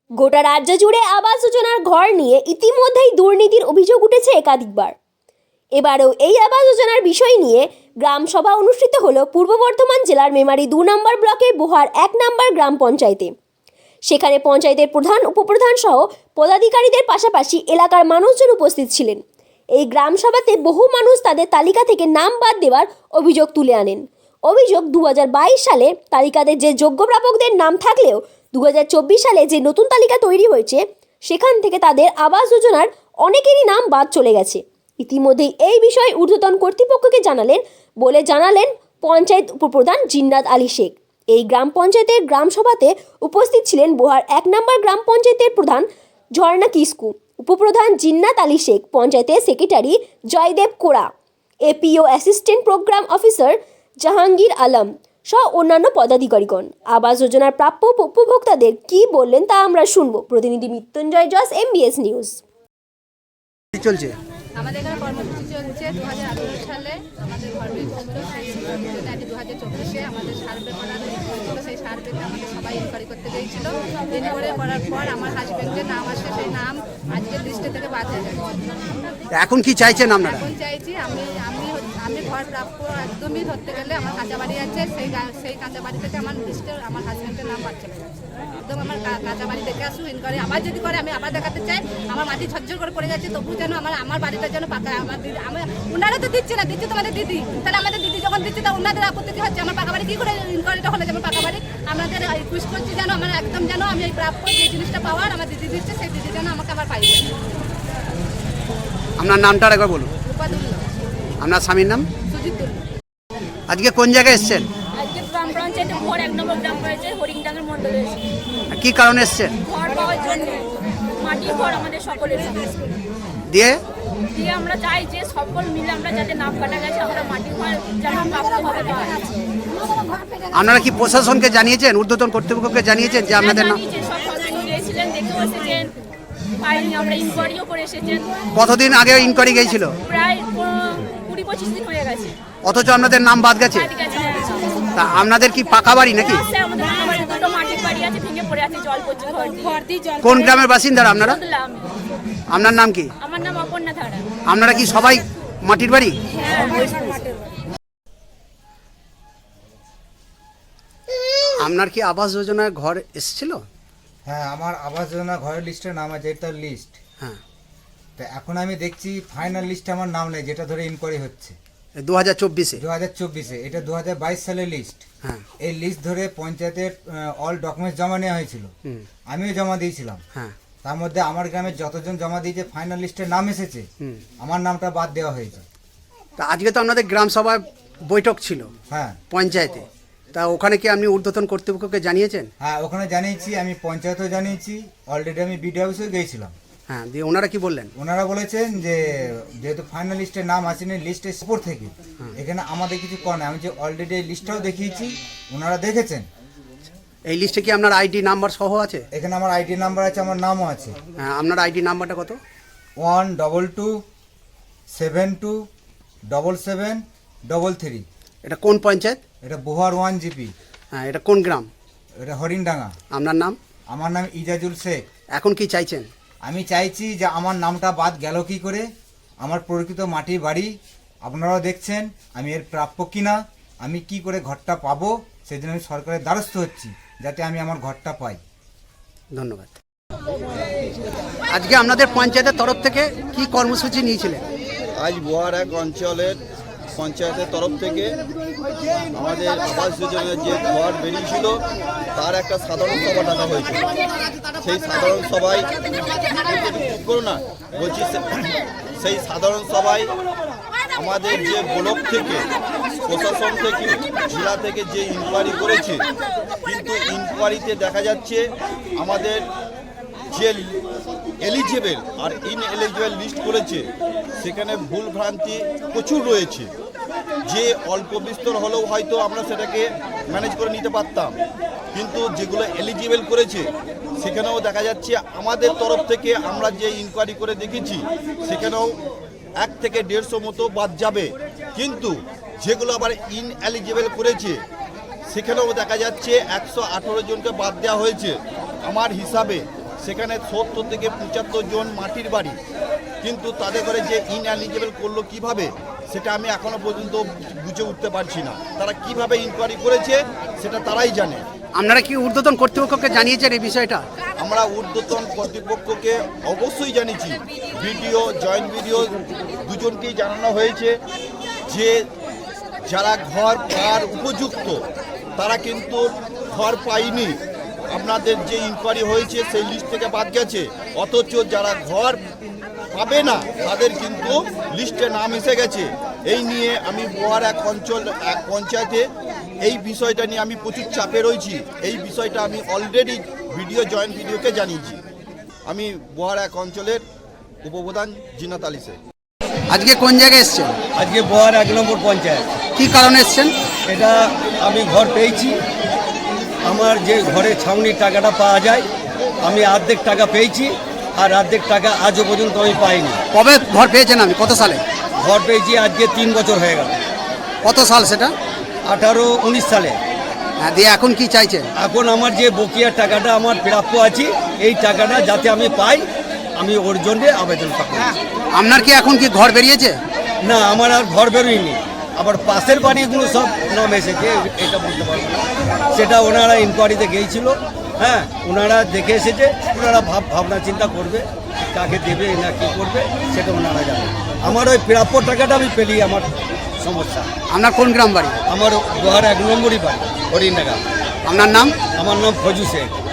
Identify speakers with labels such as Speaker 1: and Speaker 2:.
Speaker 1: গোটা রাজ্য জুড়ে আবাস যোজনার ঘর নিয়ে ইতিমধ্যেই দুর্নীতির অভিযোগ উঠেছে একাধিকবার। এবারেও এই আবাস যোজনার বিষয় নিয়ে গ্রাম সভা অনুষ্ঠিত হলো পূর্ব বর্ধমান জেলার মেমারি 2 নম্বর ব্লকের বোহার 1 নম্বর গ্রাম পঞ্চায়েতে। সেখানে পঞ্চায়েতের প্রধান, উপপ্রধান সহ পদাধিকারীদের পাশাপাশি এলাকার মানুষজন উপস্থিত ছিলেন। এই গ্রাম সভাতে বহু মানুষ তাদের তালিকা থেকে নাম বাদ দেওয়ার অভিযোগ তুলে আনেন। অভিযোগ 2022 সালে তালিকাতে যে যোগ্য প্রাপকদের নাম থাকলেও 2024 সালে যে নতুন তালিকা তৈরি হয়েছে সেখান থেকে তাদের আবাস যোজনার অনেকেরই নাম বাদ চলে গেছে। ইতিমধ্যেই এই বিষয়ে ঊর্ধ্বতন কর্তৃপক্ষকে জানালেন পঞ্চায়েত উপপ্রধান জিন্নাত আলী শেখ। এই গ্রাম পঞ্চায়েতের গ্রাম সভাতে উপস্থিত ছিলেন বোহার 1 নম্বর গ্রাম পঞ্চায়েতের প্রধান ঝর্ণা কিস্কু, উপপ্রধান জিন্নাত আলী শেখ, পঞ্চায়েতের secretary Joydev Kora, APO assistant programme officer Jahangir Alam সহ অন্যান্য পদাধিকারীগণ। আবাস যোজনার প্রাপ্য উপভোক্তাদের কি বললেন তা আমরা শুনব। প্রতিনিধি মৃত্যুঞ্জয় জস, MBS নিউজ।
Speaker 2: চলছে
Speaker 3: আমাদের এখানে কর্মসূচি চলছে 2018 সালে আমাদের ঘর বেরিয়েছিল, সেই 2024-এ আমাদের সার্ভে করা হয়েছিল। সেই সার্ভেতে আমাদের সবাই ইনকোয়ারি করতে গিয়েছিল। ইনকোয়ারি করার পর আমার হাজব্যান্ডের নাম আসে, সেই নাম আজকের লিস্টে থেকে বাদ হয়ে গেছে।
Speaker 2: এখন কি চাইছেন আপনারা?
Speaker 3: এখন চাইছি আমি ঘর প্রাপ্য একদমই ধরতে গেলে আমার কাঁচা বাড়ি আছে, সেই কাঁচা বাড়ি থেকে আমার লিস্টে আমার হাজব্যান্ডের নাম বাদ চলে গেছে। একদম আমার কাঁচা বাড়ি দেখে আসুন, ইনকোয়ারি আবার যদি করে আমি আবার দেখাতে চাই। আমার মাটি ঝরঝর করে পড়ে যাচ্ছে, তবু যেন আমার বাড়িটা যেন পাকা। আমার দিদি ওনারা তো দিচ্ছে না, দিচ্ছে তোমাদের দিদি। তাহলে আমাদের দিদি যখন দিচ্ছে তা ওনাদের আপত্তি কি হচ্ছে? আমার পাকা বাড়ি কী করে ইনকোয়ারিটা হলে যেমন পাকা বাড়ি? আমাদের রিকোয়েস্ট করছি যেন আমার একদম যেন আমি এই প্রাপ্য যে জিনিসটা পাওয়ার আমার দিদি দিচ্ছে, সেই দিদি যেন আমাকে আবার পাই।
Speaker 2: আপনার নামটা একবার বলুন। আপনার স্বামীর নাম? আজকে কোন জায়গায় এসেছেন?
Speaker 4: আজকে গ্রাম পঞ্চায়েতে বোহার 1 নম্বর গ্রাম পঞ্চায়েত হরিংডাঙ্গের মন্ডলে এসেছি।
Speaker 2: কি কারণে এসেছেন?
Speaker 4: ঘর পাওয়ার জন্য, মাটির ঘর আমাদের সকলের।
Speaker 2: দিয়ে
Speaker 4: আমরা চাই যে সকল মিলে আমরা যাতে নাম কাটা গেছে আমরা মাটির ঘর যেন প্রাপ্তভাবে পাই।
Speaker 2: আপনারা কি প্রশাসনকে জানিয়েছেন, ঊর্ধ্বতন কর্তৃপক্ষকে জানিয়েছেন যে আপনাদের নাম?
Speaker 4: সব সদস্য গিয়েছিলেন, দেখেও এসেছেন, পাইনি। আমরা ইনকোয়ারিও করে এসেছেন।
Speaker 2: কতদিন আগে ইনকোয়ারি গিয়েছিল?
Speaker 4: প্রায় 20-25 দিন হয়ে গেছে।
Speaker 2: অথচ আপনাদের নাম বাদ গেছে। তা আপনাদের কি পাকা বাড়ি নাকি?
Speaker 4: আমাদের বাড়ি দুটো মাটির বাড়ি আছে, ভেঙে পড়ে আছে, জল পড়ছে ঘর দিয়ে।
Speaker 2: কোন গ্রামের বাসিন্দারা আপনারা? আপনার নাম কি?
Speaker 4: আমার নাম অপর্ণা ধারা।
Speaker 2: আপনারা কি সবাই মাটির বাড়ি? আপনার কি আবাস যোজনার ঘর এসেছিল?
Speaker 5: হ্যাঁ, আমার আবাস যোজনা ঘরের লিস্টের নাম আছে, এটা লিস্ট।
Speaker 2: হ্যাঁ,
Speaker 5: তো এখন আমি দেখছি ফাইনাল লিস্টে আমার নাম নেই, যেটা ধরে ইনকোয়ারি হচ্ছে
Speaker 2: 2024-এ।
Speaker 5: এটা 2022 সালের লিস্ট।
Speaker 2: হ্যাঁ,
Speaker 5: এই লিস্ট ধরে পঞ্চায়েতের অল ডকুমেন্টস জমা নেওয়া হয়েছিল, আমিও জমা দিয়েছিলাম।
Speaker 2: হ্যাঁ,
Speaker 5: তার মধ্যে আমার গ্রামের যতজন জমা দিয়েছে ফাইনাল লিস্টে নাম এসেছে, আমার নামটা বাদ দেওয়া হয়েছে।
Speaker 2: তা আজকে তো আপনাদের গ্রাম সভায় বৈঠক ছিল
Speaker 5: হ্যাঁ
Speaker 2: পঞ্চায়েতে, তা ওখানে কি আপনি ঊর্ধ্বতন কর্তৃপক্ষকে জানিয়েছেন?
Speaker 5: হ্যাঁ, ওখানে জানিয়েছি, আমি পঞ্চায়েতেও জানিয়েছি, অলরেডি আমি বিডিও অফিসেও গিয়েছিলাম।
Speaker 2: হ্যাঁ, দিয়ে ওনারা কি বললেন?
Speaker 5: ওনারা বলেছেন যে যেহেতু ফাইনাল লিস্টের নাম আসেনি, লিস্টের উপর থেকে এখানে আমাদের কিছু করার নেই। আমি যে অলরেডি এই লিস্টটাও দেখিয়েছি, ওনারা দেখেছেন।
Speaker 2: এই লিস্টে কি আপনার আইডি নাম্বার সহ আছে?
Speaker 5: এখানে আমার আইডি নাম্বার আছে, আমার নামও আছে।
Speaker 2: হ্যাঁ, আপনার আইডি নাম্বারটা কত?
Speaker 5: 122727733।
Speaker 2: এটা কোন পঞ্চায়েত?
Speaker 5: এটা বোহার 1 GP।
Speaker 2: হ্যাঁ, এটা কোন গ্রাম?
Speaker 5: এটা হরিণডাঙ্গা।
Speaker 2: আপনার নাম?
Speaker 5: আমার নাম ইজাজুল শেখ।
Speaker 2: এখন কি চাইছেন?
Speaker 5: আমি চাইছি যে আমার নামটা বাদ গেল কি করে? আমার প্রকৃত মাটির বাড়ি আপনারাও দেখছেন, আমি এর প্রাপ্য কিনা, আমি কি করে ঘরটা পাবো, সেজন্য আমি সরকারের দ্বারস্থ হচ্ছি যাতে আমি আমার ঘরটা পাই।
Speaker 2: ধন্যবাদ। আজকে আপনাদের পঞ্চায়েতের তরফ থেকে কি কর্মসূচি নিয়েছিলেন?
Speaker 6: আজ বোহার 1 অঞ্চলের পঞ্চায়েতের তরফ থেকে আমাদের আবাস যোজনার যে ঘর বেরিয়েছিল তার একটা সাধারণ সভা ডাকা হয়েছিল। সেই সাধারণ সভায় সেই সাধারণ সভায় আমাদের যে ব্লক থেকে, প্রশাসন থেকে, জেলা থেকে যে ইনকোয়ারি করেছে, কিন্তু ইনকোয়ারিতে দেখা যাচ্ছে আমাদের যে এলিজিবল আর ইনএলিজিবল লিস্ট করেছে সেখানে ভুল ভ্রান্তি প্রচুর রয়েছে। যে অল্প বিস্তর হলেও হয়তো আমরা সেটাকে ম্যানেজ করে নিতে পারতাম, কিন্তু যেগুলো এলিজিবল করেছে সেখানেও দেখা যাচ্ছে আমাদের তরফ থেকে আমরা যে ইনকোয়ারি করে দেখেছি সেখানেও 1 থেকে 150 মতো বাদ যাবে। কিন্তু যেগুলো আবার ইনএলিজিবল করেছে সেখানেও দেখা যাচ্ছে 118 জনকে বাদ দেওয়া হয়েছে। আমার হিসাবে সেখানে 70 থেকে 75 জন মাটির বাড়ি, কিন্তু তাদের করে যে ইনএলিজিবল করলো কিভাবে সেটা আমি এখনো পর্যন্ত বুঝে উঠতে পারছি না। তারা কিভাবে ইনকোয়ারি করেছে সেটা তারাই জানে।
Speaker 2: আপনারা কি ঊর্ধ্বতন কর্তৃপক্ষকে জানিয়েছেন এই বিষয়টা?
Speaker 6: আমরা ঊর্ধ্বতন কর্তৃপক্ষকে অবশ্যই জানিয়েছি, ভিডিও জয়েন্ট ভিডিও দুজনকেই জানানো হয়েছে যে যারা ঘর পাওয়ার উপযুক্ত তারা কিন্তু ঘর পায়নি। আপনাদের যে ইনকোয়ারি হয়েছে সেই লিস্ট থেকে বাদ গেছে, অথচ যারা ঘর পাবে না তাদের কিন্তু লিস্টে নাম এসে গেছে। এই নিয়ে আমি বোয়ার এক পঞ্চায়েতে এই বিষয়টা নিয়ে আমি প্রচুর চাপে রয়েছি। এই বিষয়টা আমি অলরেডি ভিডিও জয়েন্ট ভিডিওকে জানিয়েছি। আমি বোয়ার এক অঞ্চলের উপপ্রধান জিনাত আলী শেখ।
Speaker 2: আজকে কোন জায়গায় এসছেন?
Speaker 7: আজকে বোয়ার 1 নম্বর পঞ্চায়েত।
Speaker 2: কি কারণে এসছেন?
Speaker 7: এটা আমি ঘর পেয়েছি, আমার যে ঘরে ছাউনির টাকাটা পাওয়া যায় আমি অর্ধেক টাকা পেয়েছি, আর অর্ধেক টাকা আজও পর্যন্ত আমি পাইনি।
Speaker 2: কবে ঘর পেয়েছেন? আমি কত সালে
Speaker 7: ঘর পেয়েছি? আজকে 3 বছর হয়ে গেল।
Speaker 2: কত সাল সেটা?
Speaker 7: 18-19 সালে।
Speaker 2: হ্যাঁ, দিয়ে এখন কি চাইছেন?
Speaker 7: এখন আমার যে বকেয়া টাকাটা আমার প্রাপ্য আছে এই টাকাটা যাতে আমি পাই, আমি ওর জন্য আবেদন করব।
Speaker 2: আপনার কি এখন কি ঘর বেরিয়েছে?
Speaker 7: না, আমার আর ঘর বেরোয়নি। আবার পাশের বাড়িগুলো সব নাম এসেছে, এটা বলতে পারবো না। সেটা ওনারা ইনকোয়ারিতে গিয়েছিল, হ্যাঁ, ওনারা দেখে এসেছে। ওনারা ভাবনা চিন্তা করবে কাকে দেবে না কি করবে সেটা ওনারা জানে। আমার ওই প্রাপ্য টাকাটা আমি পেলি, আমার সমস্যা।
Speaker 2: আপনার কোন গ্রাম বাড়ি?
Speaker 7: আমার বোয়ার 1 নম্বরই বাড়ি, হরিণডাঙ্গা।
Speaker 2: আপনার নাম?
Speaker 7: আমার নাম ফজু শেখ।